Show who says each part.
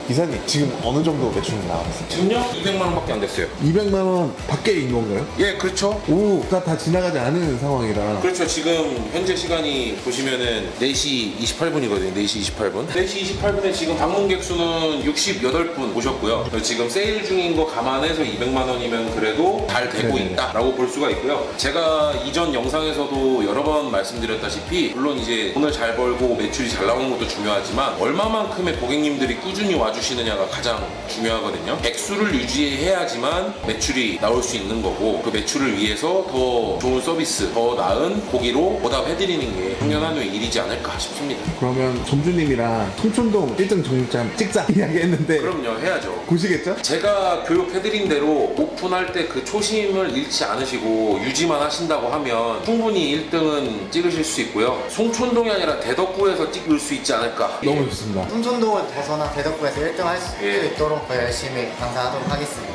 Speaker 1: 이사님 지금 어느 정도 매출 나왔어요?
Speaker 2: 지금요? 200만 원밖에 안 됐어요.
Speaker 1: 200만 원 밖에인 건가요?
Speaker 2: 예, 그렇죠.
Speaker 1: 오, 다 지나가지 않은 상황이라.
Speaker 2: 그렇죠. 지금 현재 시간이 보시면은 4시 28분이거든요. 4시 28분. 4시 28분에 지금 방문객 수는 68분 오셨고요. 지금 세일 중인 거 감안해서 200만 원이면 그래도 잘 되고
Speaker 1: 네네.
Speaker 2: 있다라고 볼 수가 있고요. 제가 이전 영상에서도 여러 번 말씀드렸다시피 물론 이제 돈을 잘 벌고 매출이 잘 나오는 것도 중요하지만 얼마만큼의 고객님들이 꾸준히 와주시느냐가 가장 중요하거든요. 액수를 유지해야지만 매출이 나올 수 있는 거고 그 매출을 위해서 더 좋은 서비스, 더 나은 고기로 보답해드리는 게 당연한 일이지 않을까 싶습니다.
Speaker 1: 그러면 점주님이랑 통촌동 1등 정육점 찍자 이야기했는데
Speaker 2: 그럼요, 해야죠.
Speaker 1: 보시겠죠?
Speaker 2: 제가 교육해드린 대로 오픈할 때 그 초심을 잃지 않으시고 유지만 하신다고 하면 충분히 1등은 찍으실 수 있고요. 송촌동이 아니라 대덕구에서 찍을 수 있지 않을까.
Speaker 1: 너무 좋습니다.
Speaker 3: 풍촌동을 벗어나 대덕구에서 1등 할 수
Speaker 2: 예.
Speaker 3: 있도록 더 열심히 강사하도록 하겠습니다.